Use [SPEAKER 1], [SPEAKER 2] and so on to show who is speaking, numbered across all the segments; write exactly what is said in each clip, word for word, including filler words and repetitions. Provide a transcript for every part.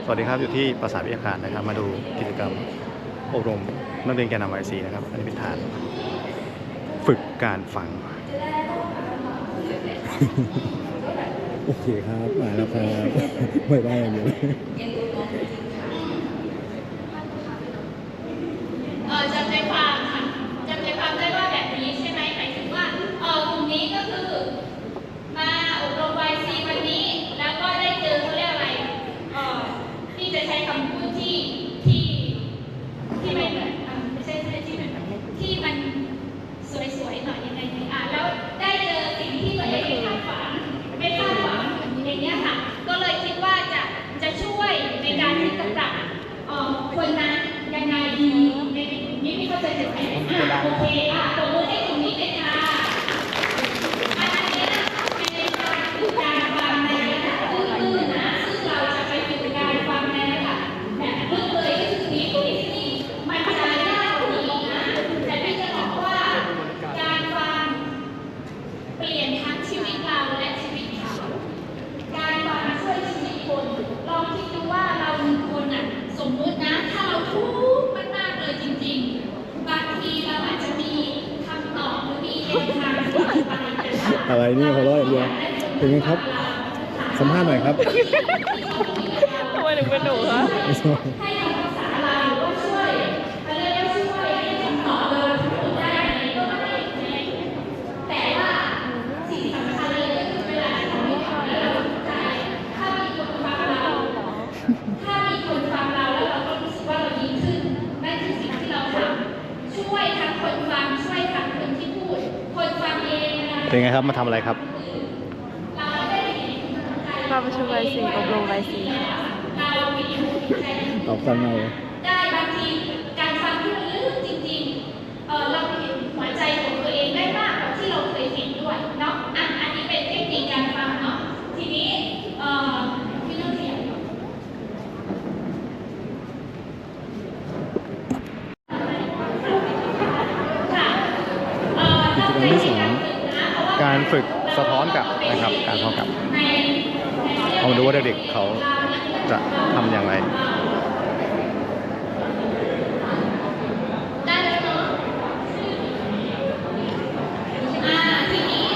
[SPEAKER 1] สวัสดีครับอยู่ที่ปราสาทวิทยาคารนะครับมาดูกิจกรรมอบรมนักเรียนแกนนำไอซีนะครับอันนี้เป็นฐานฝึกการฟัง
[SPEAKER 2] โอเคครับมาแล้วครับไม่ได้เลย
[SPEAKER 3] เออจำใจความค่ะจำใจความได้ว่าแบบนี้ใช่ไหมหมายถึงว่าเออกลุ่มนี้ก็คือมาอบรม วาย ซี วันนี้แล้วก็ได้เจอเขาเรียกอะไรเออที่จะใช้คำพูดที่ที่ที่ไม่เหมือนอ่ะไม่ใช่ที่เหมือนที่มันสวยๆหน่อยยังไงดีอ่ะแล้วได้เจอสิ่งที่ตัวเองไม่คาดฝันไม่คาดหวังอย่างเงี้ยค่ะก็เลยคิดว่าจะจะช่วยในการที่จะปรับเอ่อคนนั้นยังไงดีในนี้ไม่เข้าใจจุดไหนอ่ะโอเคอ่ะตบมือให้ตรงนี้เลยค่ะอันนี้เป็นการฝึกการฟังในระดับตื้นๆนะซึ่งเราจะไปฝึกการฟังในระดับแบบลึกเลยก็คือนี้ที่นี่มันจะยากกว่านี้นะแต่พี่จะบอกว่าการฟังเปลี่ยนทั้งชีวิตเราและชีวิตเขาการฟังช่วยชีวิตคนลองคิดดูว่าเราหนึ่งคนอ่ะสมมุตินะถ้าเราทุกข์มากๆเลยจริงๆบางทีเราอาจจะมีคำตอบหรือมีแนวทางที่จะไปแต่ว่า
[SPEAKER 2] อะไรนี่หัวเราะอย่างเดียวเป็นไงครับสัมภาษณ์หน่อยครับ
[SPEAKER 4] ทำไมถึงเป็นหนูคะ
[SPEAKER 3] ให้คำปรึกษาเราหรือว่าช่วยเขาเรียกว่าช่วยให้คำตอบเราทั้งหมดได้ไหมก็ได้แต่ว่าสิ่งสำคัญเลยก็คือเวลาที่เราไม่ทำแล้วเราสนใจถ้ามีคนฟังเราถ้ามีคนฟังเราแล้วเราก็รู้สึกว่าเราดีขึ้นนั่นคือสิ่งที่เราทำช่วยทั้งคนฟังช่วยทั้งคนที่พูดคนฟังเองนะ
[SPEAKER 1] เป็นไงครับมาทำอะไรครับ
[SPEAKER 3] เราได้เห็น
[SPEAKER 4] มาประชุมไวซีอบรมไวซี
[SPEAKER 3] เรามีอยู่ใน
[SPEAKER 2] ตอบฟังเอา
[SPEAKER 3] ได้บางทีการฟังที่มันลึกจริงๆ เออเราเห็นหัวใจของตัวเองได้มากกว่าที่เราเคยเห็นด้วยเนาะอ่ะอันนี้เป็นเทคนิคการฟังเนาะทีนี้เอ่อพี่ต้องเสียงค่ะเอ่อ
[SPEAKER 2] กิจกรรมที่สอง
[SPEAKER 1] การฝึกสะท้อนกลับนะครับการสะท้อนกลับเอามาดูว่าเด็กๆเขาจะทำอย่างไร
[SPEAKER 3] ได้แล้วเนาะอ่าทีนี้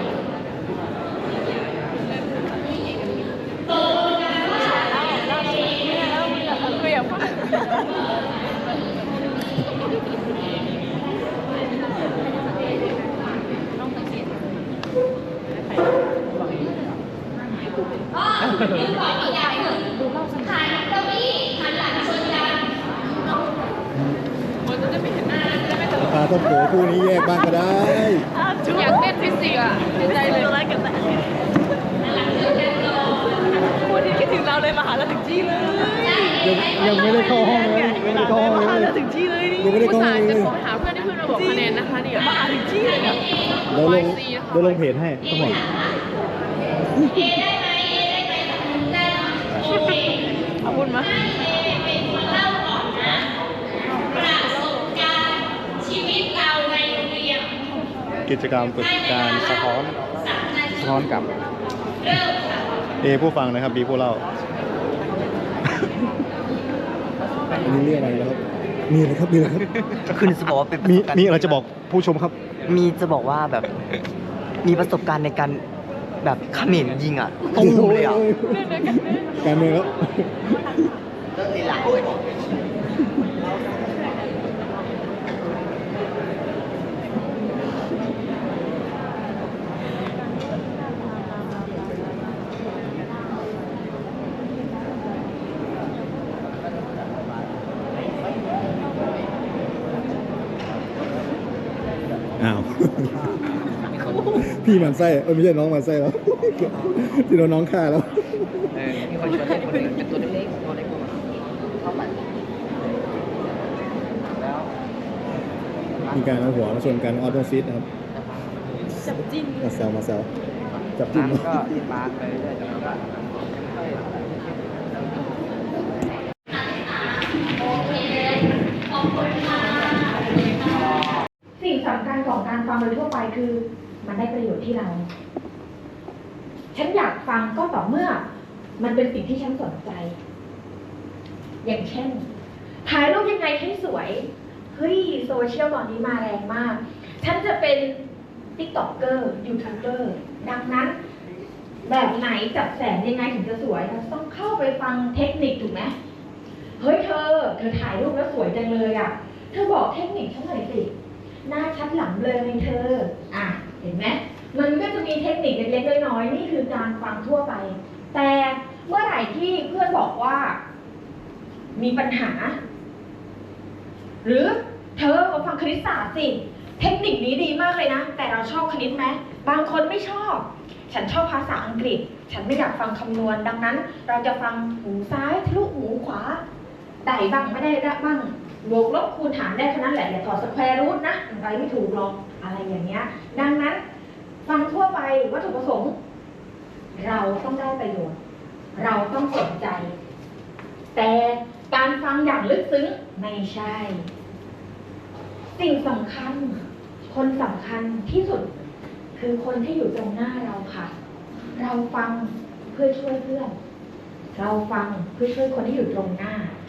[SPEAKER 3] ตกลงกันว่า
[SPEAKER 4] คืออย่างว่า
[SPEAKER 3] อ๋อเดี๋ยวบอกอีกอย่างหนึ่งหันเก้าอี้หันหลังชนกัน
[SPEAKER 4] มันจะไม่เห็นหน้าจะไม่ตลก
[SPEAKER 2] ปลาต้มโขคู่นี้แยกบ้างก็ได้
[SPEAKER 4] อยากเล่นฟิสิกส์อ่ะในใจเลยรักกันแต่
[SPEAKER 3] หันหลังชนกันก่อน
[SPEAKER 4] วันนี้คิดถึงเราเลยมาหาเราถึงที่เลย
[SPEAKER 2] ยังยังไม่ได้เข้าห้องเลยยังไม่ได้เข้าห้อง
[SPEAKER 4] มาหา
[SPEAKER 2] เล
[SPEAKER 4] เรา
[SPEAKER 2] ย
[SPEAKER 4] ถึงที่เลยนี่
[SPEAKER 2] ยังไม่ได้เข้าห้อง
[SPEAKER 4] จะ
[SPEAKER 2] เลย
[SPEAKER 4] โทรหาเพื่อนที่เพื่อนมาบอกคะแนนนะคะเดี๋ยวมาหาถึงที่เลยเนี่ย
[SPEAKER 2] เดี๋ยวลงเดี๋ยวลงเพจให้ทั้งหมด
[SPEAKER 3] เอได้ไหมเอได้ไหมได้เนาะโอเค
[SPEAKER 4] ขอบคุณมาก
[SPEAKER 3] ให้เอเป็นคนเล่าก่อนนะประสบการณ์ชีวิตเราในโรงเรียน
[SPEAKER 1] กิจกรรมฝึกการสะท้อน
[SPEAKER 3] สามนาที
[SPEAKER 1] สะท้อนกลับ
[SPEAKER 3] เริ่มค่ะ
[SPEAKER 1] เอผู้ฟังนะครับบีผู้เล่า
[SPEAKER 2] อันนี้เรียกอะไรแล้วครับมีอะไรครับมีอะไรครับ
[SPEAKER 5] คือจะบอกว่าเป็นประ
[SPEAKER 1] มี
[SPEAKER 5] สบการณ์
[SPEAKER 1] มีอะไรจะบอกผู้ชมครับ
[SPEAKER 5] มีจะบอกว่าแบบมีประสบการณ์ในการแบบเขมรยิงอ่ะตุ้มเลยอ่ะ
[SPEAKER 2] การเมืองครับ อ้าว พี่หมันไส้เออไม่ใช่น้องหมันไส้แล้ว ที่โดนน้องฆ่าแล้ว
[SPEAKER 5] เออมีคนชวนเล่นคนหนึ่งเป็นตัวเล็กๆตัวเล็กกว่าเข้าไปแล้ว
[SPEAKER 2] มีการเอาหัวมาชนกันออโตฟิตนะครับ
[SPEAKER 4] จับจิ้น
[SPEAKER 2] มาแซวมาแซวจับจิ้ม
[SPEAKER 5] น้ำก็ติดมาร์กไปเรื่อยๆแล้วก็
[SPEAKER 6] สิ่งสำคัญของการฟังโดยทั่วไปคือมันได้ประโยชน์ที่เรา ฉันอยากฟังก็ต่อเมื่อ มันเป็นสิ่งที่ฉันสนใจอย่างเช่น ถ่ายรูปยังไงให้สวย เฮ้ยโซเชียลตอนนี้มาแรงมาก ฉันจะเป็นติ๊กต็อกเกอร์ยูทูบเบอร์ดังนั้น แบบไหนจับแสงยังไงถึงจะสวยเราต้องเข้าไปฟังเทคนิคถูกไหมเฮ้ยเธอ เธอถ่ายรูปแล้วสวยจังเลยอ่ะ เธอบอกเทคนิคฉันหน่อยสิ หน้าชัดหลังเลยไหมเธอ อ่ะ เห็นไหม มันก็จะมีเทคนิคเล็กๆน้อยๆนี่คือการฟังทั่วไป แต่เมื่อไหร่ที่เพื่อนบอกว่า มีปัญหา หรือเธอมาฟังคณิตศาสตร์สิ เทคนิคนี้ดีมากเลยนะ แต่เราชอบคณิตไหมบางคนไม่ชอบ ฉันชอบภาษาอังกฤษ ฉันไม่อยากฟังคำนวณ ดังนั้น เราจะฟังหูซ้ายทะลุหูขวา ได้บ้างไม่ได้บ้างบวกลบคูณหารได้แค่นั้นแหละอย่าถอดสแควร์รูทนะอะไรไม่ถูกหรอกอะไรอย่างเงี้ย ดังนั้น ฟังทั่วไปวัตถุประสงค์ เราต้องได้ประโยชน์ เราต้องสนใจ แต่การฟังอย่างลึกซึ้งไม่ใช่ สิ่งสำคัญ คนสำคัญที่สุด คือคนที่อยู่ตรงหน้าเราค่ะ เราฟังเพื่อช่วยเพื่อน เราฟังเพื่อช่วยคนที่อยู่ตรงหน้า